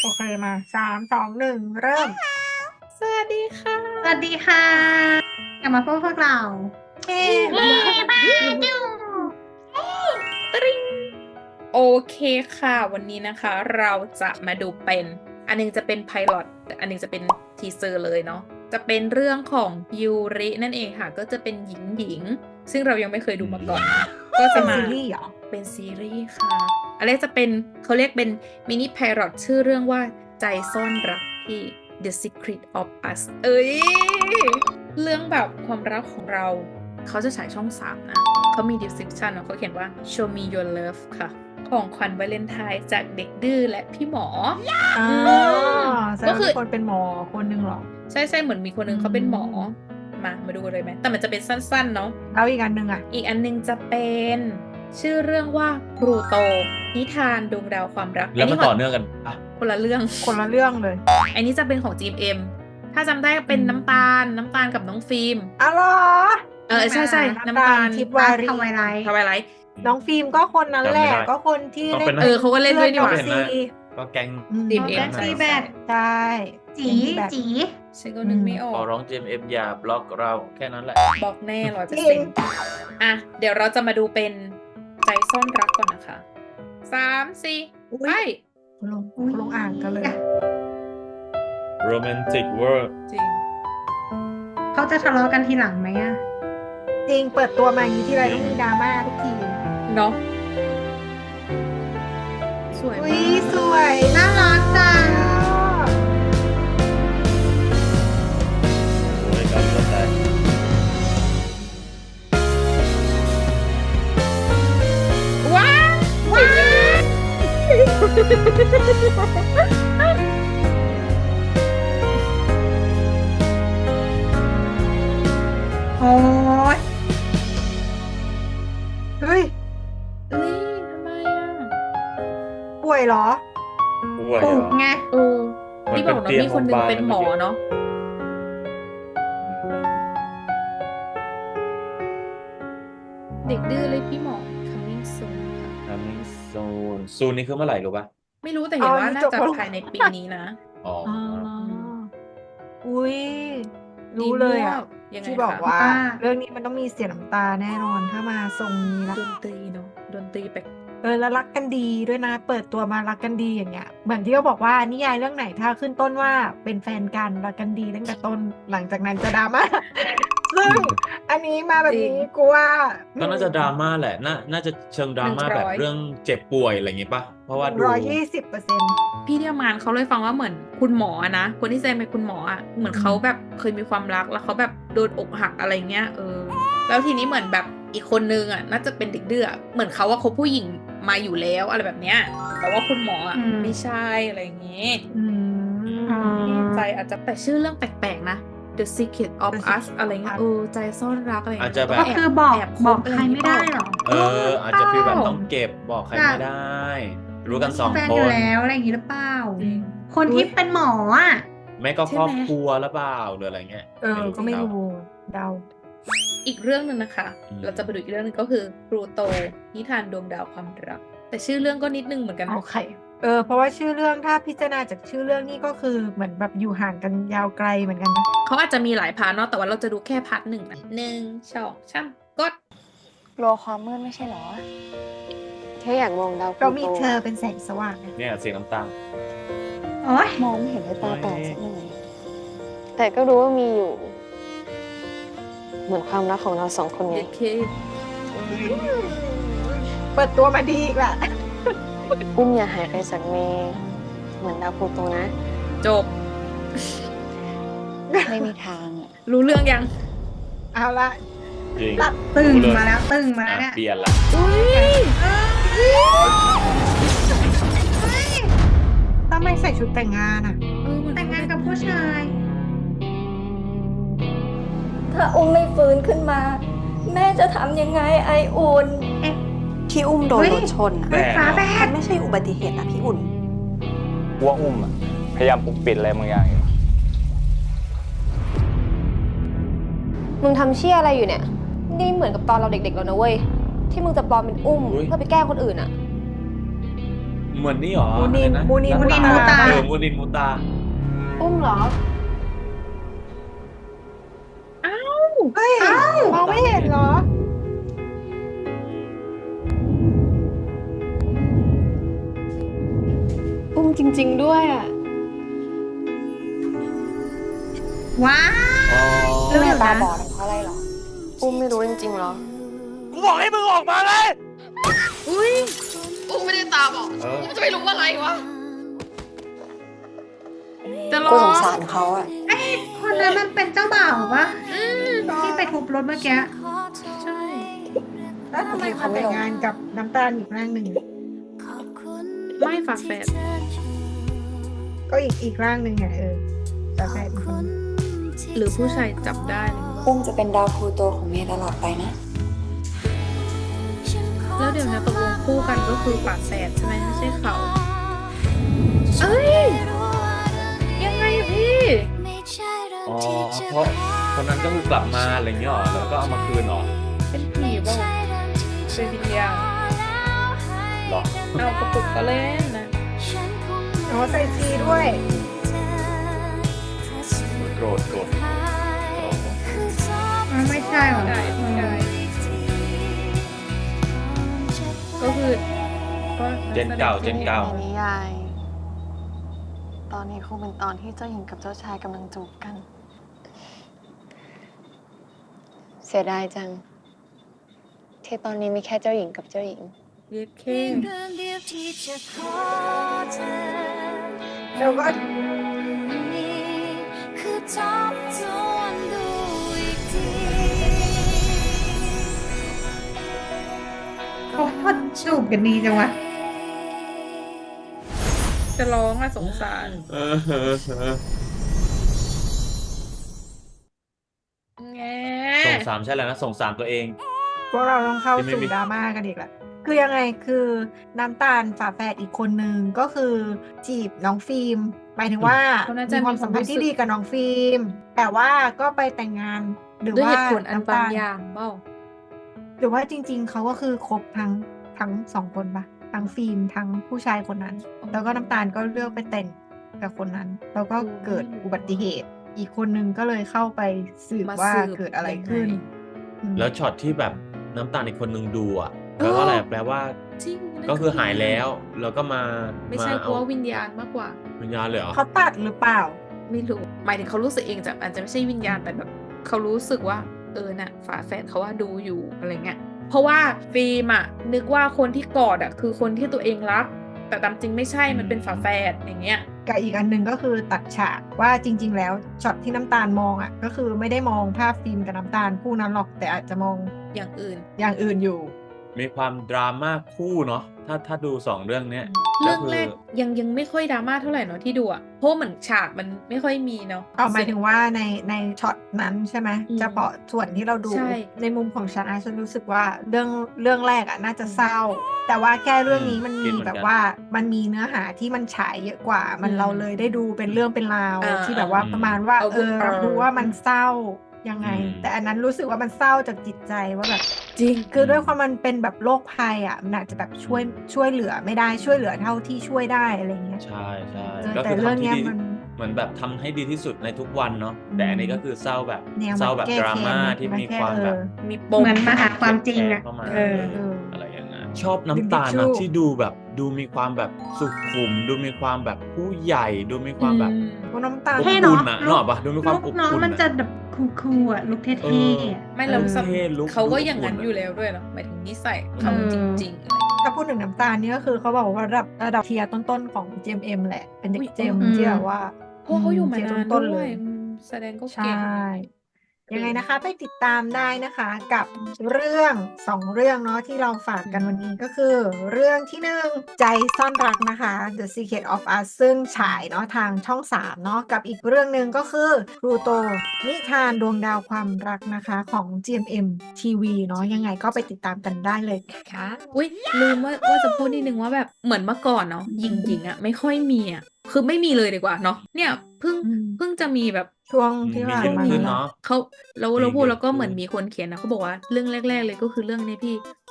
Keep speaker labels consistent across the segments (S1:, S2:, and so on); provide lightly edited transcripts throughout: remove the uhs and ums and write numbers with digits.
S1: โอเคมา3 2 1เริ่ม
S2: สวัสดีค่ะ
S3: สวัสดีค่ะกลับมาพบพวกเรา
S1: เอ๊
S3: เย้บ้าจู
S2: ตริงโอเคค่ะ วันนี้นะคะ เราจะมาดูเป็น อันหนึงจะเป็นไพลอตอันหนึงจะเป็นทีเซอร์เลยเนาะจะเป็นเรื่องของยูรินั่นเองค่ะ ก็จะเป็นหญิง ซึ่งเรายังไม่เคยดูมาก่อนนะก็จะ
S1: เป็น
S2: มา
S1: ซีรีส์เหรอ
S2: เป็นซีรีส์ค่ะอันแรกจะเป็นเขาเรียกเป็นมินิไพลอตชื่อเรื่องว่าใจซ่อนรักที่ The Secret of Us เอ้ย เรื่องแบบความรักของเรา เขาจะฉายช่อง 3 นะ เขามี description เนาะเขาเขียนว่า show me your love ค่ะ ของขวัญวาเลนไทน์จากเด็กดื้อและพี่หมอ
S1: อ๋อ
S2: ก็
S1: ก็
S2: คื
S1: คือ อคนเป็นหมอคนหนึ่งเหรอ
S2: ใช่เหมือนมีคนหนึงเขาเป็นหมอ มาดูเลยไหม แต่มันจะเป็นสั้นๆ เนาะ
S1: แล้วอีกอันหนึ่งอ่ะ
S2: อีกอันหนึงจะเป็นชื่อเรื่องว่าพลูโต นิทานดวงดาวความรัก
S4: แล้วมัน
S2: ข
S4: ต่อเนื่องกันปะ
S2: คนละเรื่อง
S1: คนละเรื่องเลย
S2: อันนี้จะเป็นของ GMM ถ้าจำได้เป็นน้ำตาลกับน้องฟิล์ม
S1: อ๋อเหรอ
S2: ใช่น้ำตาล
S1: ทิพย์วารี
S3: ทำไวไลท์
S2: ทวายไลท์
S1: น้องฟิล์มก็คนนั้นแหละ ก็คนที่เล่น
S2: เขาก็เล่นด้วยนี่หว่า
S1: พื่อน้องซี
S4: ก็แก๊ง
S2: ทีม
S3: น้อง
S2: เอ็
S3: แก๊
S2: ม
S3: ง
S2: ใช่
S3: ซีแบด
S1: ใช่
S3: จี
S1: แบบ
S3: จี
S2: ฉันก็นึกไม่ออ
S4: ขอก ร้อง GMM อย่าบล็อกเราแค่นั้นแหละ
S2: บอกแน่100%อ่ะ เดี๋ยวเราจะมาดูเป็นใจซ่อนรักก่อนนะคะ 3 4 ไป
S1: ลงอ่านกันเลย
S4: Romantic World
S2: จริง
S3: เขาจะทะเลาะกันทีหลังไหมอะ
S1: จริงเปิดตัวมาอย่างนี้ที่ไรต้องมีดราม่าทุกที
S2: เนาะสวย
S1: อุ้
S2: มาย ก
S1: สวย
S3: น่ารักจัง
S4: โอ้ยการเข้าใจ
S2: ว้าว
S3: โอ้ย
S1: เฮ้ย
S2: เอ้ยทำไมอ่ะ
S1: ป่วยเหรอ
S4: ป่วย
S3: ปลุ
S4: เหร
S3: ก
S4: อ
S3: ไง
S4: มัน
S2: ที่บอกเนาะมีคนหนึงเป็นหมอเนาะ เด็กดื้อเลยพี่หมอ coming soon ค่ะ
S4: Coming soon ซูนนี่คือเมื่อไหร่รู้ป่ะ
S2: ไม่รู้แต่เห็นว่า
S1: นี่
S2: น่า
S1: จบ
S2: จะ
S1: แล้ว
S2: ภายในปีนี้นะ
S4: อ๋อ
S1: อ๋ออุ้ยรู้เลยอ่ะ
S2: ยังไง
S1: ที่บอก
S2: คะ
S1: ว่า
S3: ว่า
S1: เรื่องนี้มันต้องมีเสียน้ำตาแน่นอนถ้ามาทรงนี้ละ
S2: ดนตรีเนาะดนตรีแปลก
S1: แล้วรักกันดีด้วยนะ เปิดตัวมารักกันดีอย่างเงี้ยเหมือนที่เขาบอกว่านิยายเรื่องไหนถ้าขึ้นต้นว่าเป็นแฟนกันรักกันดีตั้งแต่ต้นหลังจากนั้นจะดราม่า ซึ่งอันนี้มาแบบนี้กูว่า
S4: ก็น่าจะดราม่าแหละน่าจะเชิงดราม่าแบบเรื่องเจ็บป่วยอะไรอย่างงี้ป่ะ เพราะว่าดู
S1: 120%
S2: พี่เดียวมานเขาเลยฟังว่าเหมือนคุณหมออะนะคนที่แสดงเป็นคุณหมออะเหมือนเขาแบบเคยมีความรักแล้วเขาแบบโดนอกหักอะไรเงี้ยแล้วทีนี้เหมือนแบบอีกคนนึงอะน่าจะเป็นเด็กดื้ออะเหมือนเขาว่าคบผู้หญิงมาอยู่แล้วอะไรแบบเนี้ยแต่ว่าคุณหมออะไม่ใช่อะไรอย่างเงี้ย
S1: อืม
S2: ใจอาจจะแต่ชื่อเรื่องแปลกๆนะ The Secret of
S1: The
S2: Us
S1: Secret
S2: อะไรเงี้ย ใจซ่อนรักอะไรเงี้ย
S4: อาจจะแบบ
S3: ก็คือบอก
S2: แค
S3: บอกใครไม่ได้หรอ
S4: อาจจะฟีลแบบต้องเก็บบอกใครไม่ได้ รู้กันสอง
S3: แฟน
S4: ค
S3: อยู่
S4: น
S3: แล้วอะไรอย่างนี้หรือเปล่า
S2: จริง
S3: คนที่เป็นหมออ่ะ
S4: ไม่ก็
S2: ใช่ไหม
S4: ครอบครัวหรือเปล่าหรืออะไรเงี้ย
S1: ก็ไม่รู้เดา
S2: อีกเรื่องหนึ่งนะคะ
S4: อืม
S2: เราจะไปดูอีกเรื่องหนึงก็คือพลูโตนิทานดวงดาวความรัก แต่ชื่อเรื่องก็นิดนึงเหมือนกันนะ
S1: โอเคเพราะว่าชื่อเรื่องถ้าพิจารณาจากชื่อเรื่องนี่ก็คือเหมือนแบบอยู่ห่างกันยาวไกลเหมือนกันนะ
S2: เขาอาจจะมีหลายพาร์ทเนาะแต่ว่าเราจะดูแค่พาร์ทหนึ่งนะ1 2 3กด
S5: กลัวความมืดไม่ใช่เหรอ แค่อยากมองดาวพ
S1: เรา
S5: ลู
S1: มี
S5: โต
S1: เธอเป็นแสงสว่างนะ
S4: เนี่ยเสียงน้ำตาล
S3: โอ้ย
S5: มองไม่เห็นด้วยตาเปล่าสักหน่อย แต่ก็รู้ว่ามีอยู่ เหมือนความรักของเราสองคนไง
S2: เด็กเค
S1: เปิดตัวมาดีอีกละ
S5: อุ้มอย่าหายไปจากเมย์เหมือนดาวพลูโตนะ
S2: จบ
S5: ไม่มีทางอะ
S2: รู้เรื่องยัง
S1: เอาละ
S4: จริง
S3: ตึง
S4: รู้เลย
S3: มาแล้วตึงมาแล้วเนี่ย
S4: เปลี่ยนละ
S1: ทำไมใส่ชุดแต่งงานอ่ะ
S3: แต่งงานกับผู้ชาย
S6: ถ้าอุ้มไม่ฟื้นขึ้นมา แม่จะทำยังไงไออุ่น
S7: ที่อุ้มโดน
S3: เฮ้ย
S7: รถชนอ่ะ
S4: แปลก
S3: ฝาแฝ
S7: มั
S3: ด
S7: นไม่ใช่อุบัติเหตุนะพี่อุ่น
S8: ว่าอุ้มอะพยายามปกปิดอะไรบางอย่างอยู่
S5: มึงทำเชี่ยอะไรอยู่เนี่ย นี่เหมือนกับตอนเราเด็กๆแล้วนะเว้ย ที่มึงจะปลอมเป็นอุ้มเพื่อไปแกล้งคนอื่นอะ
S4: เหมือนนี่หรอ
S1: มูนิน
S4: อะไระ
S1: มูนิน
S4: รัต
S3: มูนินมูตา
S4: มูนินมูตา
S5: อุ้มเหรอ
S1: เฮ้ยมองไม่เห็นเหรอ
S5: อุ้มจริง ๆ ด้วยอ่ะ
S3: ว้าว
S4: อ๋อ
S3: รู้อยู่
S5: ตา
S3: นะ
S5: บอดเพราะอะไรเหรอ อุ้มไม่รู้จริงๆเหรอ
S4: กูบอกให้มึงออกมาเลย
S2: อุ้ย
S5: อุ้มไม่ได้ตาบอด
S4: เออ
S5: อุ้มจะไม่รู้อะไรวะ
S2: จะร้
S7: กู
S2: อ
S7: ส
S2: ง
S7: งสารเขาอะ
S3: ไอ้คนนั้นมันเป็นเจ้าบ่าวปะที่ไปทุบรถเมื่อกี้
S2: ใช่
S1: แล้วทำไมเขาแต่งงานกับน้ำตาลอีกร่างหนึ่ง
S2: ไม่ฝาแฝด
S1: ก็อีกร่างหนึ่งไงแต่แฟนอีกคน
S2: หรือผู้ชายจับได้เลย
S7: อุ้มจะเป็นดาวพลูโตของเมย์ตลอดไปนะ
S2: แล้วเดี๋ยวนะตกลงคู่กันก็คือฝาแฝดใช่ไหมไม่ใช่เขาเอ้ย ยังไงอะพี่
S4: อ๋อเพราะคนนั้นก็คือกลับมาอะไรอย่างเงี้ยหรอแล้วก็เอามาคืนหรอ
S2: เป็นผีบ้างเป็นวิญญาณ
S4: หรอ
S2: เอากระปุกก็เล่นนะ
S1: อ๋อใส่ซีด้วย
S4: โกรธโกรธ
S3: ไม่ใช่หรอ
S2: ได้ได้ก็คือก็
S4: เจนเก่าเจนเก่า
S5: ในนิยาย ตอนนี้คงเป็นตอนที่เจ้าหญิงกับเจ้าชายกำลังจูบกัน เสียดายจัง ที่ตอนนี้มีแค่เจ้าหญิงกับเจ้าหญิง
S2: เย็ดเค
S1: แล้วก็
S3: เขาพอจูบกันดีจังวะ
S2: จะร้องอะสงสาร
S4: เออเออเออ
S2: แง
S4: ส่งสามใช่แล้วนะส่งสามตัวเอง
S1: พวกเราต้องเข้า
S4: ที่ไม่
S1: สู่
S4: มี
S1: ดราม่ากันอีกละคือยังไงคือน้ำตาลฝาแฝดอีกคนนึงก็คือจีบน้องฟิล์มหมายถึงว่า
S2: เขาน่าจะ
S1: มีความสัมพันธ์ที่ดีกับน้องฟิล์มแต่ว่าก็ไปแต่งงานหรือ
S2: ด้วย
S1: ว่า
S2: เหตุผลอัน
S1: น้ำ
S2: บา
S1: ตาง ล
S2: อย่างเปล่า
S1: หรือว่าจริง ๆเขาก็คือคบทั้งสองคนปะทั้งฟิล์มทั้งผู้ชายคนนั้น
S2: อ๋อ
S1: แล้วก็น้ำตาลก็เลือกไปแต่งกับคนนั้น แล้วก็
S2: อืม
S1: เกิดอุบัติเหตุ อีกคนนึงก็เลยเข้าไปสืบ
S2: มา
S1: ว่า
S2: สืบ
S1: เกิดอะไร
S2: ยังไง
S1: ขึ้นอืม
S4: แล้วช็อตที่แบบน้ำตาลอีกคนนึงดูอ่ะแปลว่าอะไรแปลว่า
S2: จริงนั่น
S4: ก็คือหายแล้วแล้วก็มา
S2: ไม่ใช่เพ
S4: เอา
S2: ราะว่าวิญญาณมากกว่า
S4: วิญญาณเลยเหรอ
S1: เขาตัดหรือเปล่า
S2: ไม่รู้ หมายถึงเขารู้สึกเองจากอาจจะไม่ใช่วิญญาณแต่แบบเขารู้สึกว่าน่ะฝาแฝดเขาว่าดูอยู่อะไรเงี้ย เพราะว่าฟิล์มอะนึกว่าคนที่กอดอะคือคนที่ตัวเองรัก แต่ตามจริงไม่ใช่มันเป็นฝาแฝดอย่างเงี้ย
S1: กับอีกอันหนึงก็คือตัดฉากว่าจริง ๆ แล้วช็อตที่น้ำตาลมองอ่ะ ก็คือไม่ได้มองภาพฟิล์มกับน้ำตาลคู่นั้นหรอก แต่อาจจะมอง
S2: อย่างอื่น
S1: อย่างอื่นอยู่
S4: มีความดราม่าคู่เนาะถ้าดูสองเรื่องเนี้ย
S2: เรื่อง
S4: คื
S2: แรกยังไม่ค่อยดราม่าเท่าไหร่เนาะที่ดูอะเพราะเหมือนฉากมันไม่ค่อยมีเนาะ
S1: หมายถึงว่าในช็อตนั้นใช่ไหม
S2: อืม
S1: เฉพาะส่วนที่เราดู
S2: ใช่
S1: ในมุมของฉันรู้สึกว่าเรื่องแรกอ่ะน่าจะเศร้า แต่ว่าแค่เรื่องนี้มัน
S4: คิ
S1: มี
S4: ดเหมือนกัน
S1: แบบว่ามันมีเนื้อหาที่มันฉายเยอะกว่า มันเราเลยได้ดูเป็นเรื่องเป็นราว ที่แบบว่าประมาณว่าเราดูว่ามันเศร้ายังไง แต่อันนั้นรู้สึกว่ามันเศร้าจากจิตใจว่าแบบ
S2: จริง
S1: คือด้วยความมันเป็นแบบโรคภัยอ่ะมันอาจจะแบบช่วยเหลือไม่ได้ช่วยเหลือเท่าที่ช่วยได้อะไรเงี้ย
S4: ใช่ใช่
S1: เออ
S4: ก็
S1: แต่
S4: คือ
S1: เรื่อง
S4: ทำ
S1: เนี้
S4: ที่
S1: ย
S4: ดี
S1: มัน
S4: เหมือนแบบทำให้ดีที่สุดในทุกวันเนาะ
S1: อืม
S4: แต่อันนี้ก็คือเศร้าแบบ
S1: แนว
S4: เศร้าแบบ
S1: แก้
S4: ดราม่า
S1: แค้น
S4: ที่มี
S1: แก้
S4: ความแบบ
S2: มีปม
S3: เหมือนมาหาความจริงอะ
S4: เข้ามา
S3: เออ
S4: อะไรอย่างนั้นชอบน้ำตาลนะที่ดูแบบดูมีความแบบสุขุม ดูมีความแบบผู้ใหญ่ ดูมีความแบบ
S1: พวกน้ำตาล
S4: อบ
S3: เท่
S4: อุ่
S3: เนาะ
S4: นอะนึกออกปะดูมีความอบ
S3: น้อง
S4: อุ่น
S3: มัน
S4: อะ
S3: จะแบบคูลๆอ่ะลุคเท่
S4: เออ
S3: ๆอะ
S2: ไม่เรา
S4: เท่ลุค
S2: เขาก็
S4: ดู
S2: อย่างนั้น
S4: อบอุ่นอะ
S2: อยู่แล้วด้วยเนาะหมายถึงนิสัยเขา
S3: เออ
S2: จริงๆอะไร
S1: ถ้าพูดถึงน้ำตาลนี่ก็คือเขาบอกว่าระดับเทียร์ต้นๆของ GMM แหละ เป็นเด็
S2: อุ๊
S1: ก
S2: ย
S1: เจม
S3: อืม
S1: ที่แบบว่า
S2: เพราะเขาอยู่มา
S1: เทียร์
S2: นาน
S1: ต้นๆ
S2: ด้
S1: เล
S2: วย
S1: ย
S2: แสดงก็
S1: ใช่
S2: เก่ง
S1: ยังไงนะคะไปติดตามได้นะคะกับเรื่อง2เรื่องเนาะที่เราฝากกันวันนี้ก็คือ เรื่องที่1ใจซ่อนรักนะคะ The Secret of Us ซึ่งฉายเนาะทางช่อง3เนาะกับอีกเรื่องหนึ่งก็คือพลูโตนิทานดวงดาวความรักนะคะของ GMM TV เนาะยังไงก็ไปติดตามกันได้เลยนะคะ
S2: อุ้ยลืมว่าจะพูดนิดนึงว่าแบบเหมือนเมื่อก่อนเนาะหญิงๆอ่ะไม่ค่อยมีอ่ะคือไม่มีเลยดีกว่าเนาะเนี่ยเพิ่งจะมีแบบ
S1: ช่วง
S4: อืม
S1: ที่
S4: มี
S1: ผ่า
S4: เย
S1: น
S4: อะ
S1: มา
S4: ขึ้น
S1: เนาะ
S4: เนาะ
S2: เขาแล้ว
S4: มี
S2: เราพูด
S4: เยอะ
S2: แล้วก็เหมือน
S4: ขึ้น
S2: มีคนเขียนนะเขาบอกว่าเรื่องแรก ๆ เลยก็คือเรื่องนี้พี่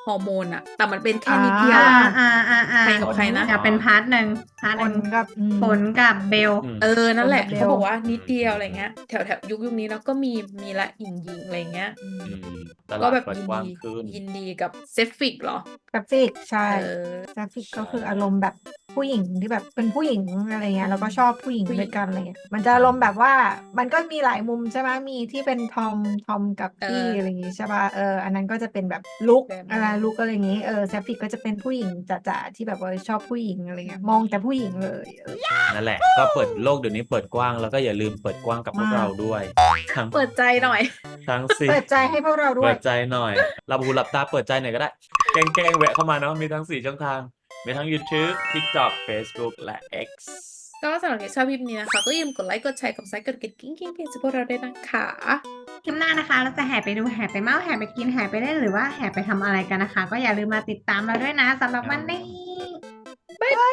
S2: ฮอร์โมนอะแต่มันเป็นแค่นิดเดียว
S3: อ่า
S2: อะ
S3: อ่า
S2: ใครกับใครนะ
S3: อยากเป็นพาร์ทหนึ่งพาร์ท
S1: ผ
S3: หนึ่
S1: ล
S3: ง
S1: กับ
S3: ผลกับเบล
S4: อืม
S2: นั่นแหละ
S1: คนกับเบล
S2: เขาบอกว่านิดเดียวอะไรเงี้ยแถวยุคนี้เนาะก็มีละหญิงอะไรเงี้ย
S4: อืมต
S2: ก็
S4: ลาด
S2: แบบ
S4: เปิดกว้างขึ้น
S2: ยินดีกับเซฟิกเหรอ
S1: กราฟิกใช่
S2: เออ
S1: กราฟิกก็คืออารมณ์แบบผู้หญิงที่แบบเป็นผู้หญิงอะไรเงี้ยแล้วก็ชอบผู้หญิง
S2: ผู้หญิง
S1: ด้วยกันอะไรเงี้ยมันจะอารมณ์แบบว่ามันก็มีหลายมุมใช่ไหมมีที่เป็นทอมกับพี่อะไรอย่างงี้ใช่ป่ะอันนั้นก็จะเป็นแบบลุค
S2: แบบนั้น
S1: อะไรลุคอะไรอย่างงี้แซฟิกก็จะเป็นผู้หญิงจ๋าๆที่แบบว่าชอบผู้หญิงอะไรเงี้ยมองแต่ผู้หญิงเลย
S4: นั่นแหละ ก็เปิดโลกเดี๋ยวนี้เปิดกว้างแล้วก็อย่าลืมเปิดกว้างกับพวก
S1: มาก
S4: เราด้วย ทั้ง
S2: เปิดใจหน่อย
S4: ทั้งสี่
S1: เปิดใจให้พวกเราด้ว
S4: เปิ
S1: ย
S4: ดใจหน่อยหลับหูหลับตาเปิดใจหน่อยก็ได้ แกล้งแวะเข้ามาเนาะมีทั้ง 4 ช่องทาง มีทั้ง YouTube TikTok Facebook และ X
S2: ก็สำหรับใครชอบคลิปนี้นะคะ ก็อย่าลืมกดไลค์ กดแชร์ กดซับสไครต์กดกระดิ่งเพจพวกเราด้วยนะคะ
S3: คลิปหน้านะคะ เราจะแห่ไปดูแห่ไปเมาส์แห่ไปกินแห่ไปเล่นหรือว่าแห่ไปทำอะไรกันนะคะ ก็อย่าลืมมาติดตามเราด้วยนะสำหรับวันนี้
S2: บ๊ายบาย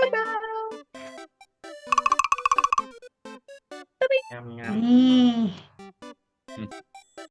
S4: งาม
S3: นี่
S4: ๆ